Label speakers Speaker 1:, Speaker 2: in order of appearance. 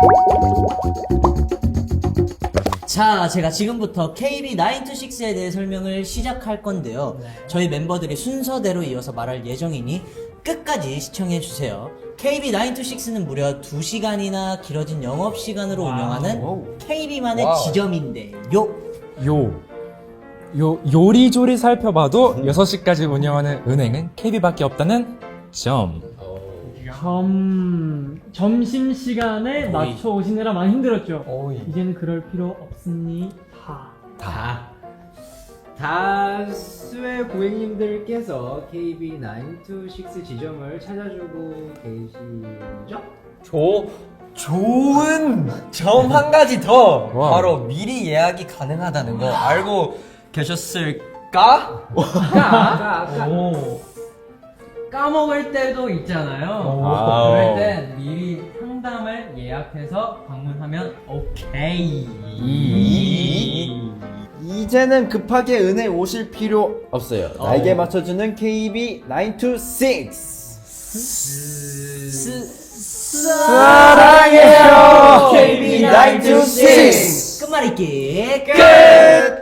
Speaker 1: 자, 제가 지금부터 KB926에 대해 설명을 시작할 건데요. 저희 멤버들이 순서대로 이어서 말할 예정이니 끝까지 시청해주세요. KB926는 무려 2시간이나 길어진 영업시간으로 운영하는 KB만의 지점인데요.
Speaker 2: 요리조리 살펴봐도 6시까지 운영하는 은행은 KB밖에 없다는 점.
Speaker 3: 점심시간에 맞춰 오시느라 많이 힘들었죠? 이제는 그럴 필요 없습니다.
Speaker 4: 다수의 고객님들께서 KB926 지점을 찾아주고 계시죠?
Speaker 5: 좋은 점 한 가지 더!
Speaker 2: 와우.
Speaker 5: 바로 미리 예약이 가능하다는 거 알고 계셨을까?
Speaker 4: 까먹을 때도 있잖아요.
Speaker 2: 와우.
Speaker 4: 그럴 땐 미리 상담을 예약해서 방문하면 오케이.
Speaker 6: 이제는 급하게 은혜 오실 필요 없어요. 날개 맞춰주는 KB926.
Speaker 1: 사랑해요
Speaker 6: KB926.
Speaker 1: 끝말잇기
Speaker 6: 끝!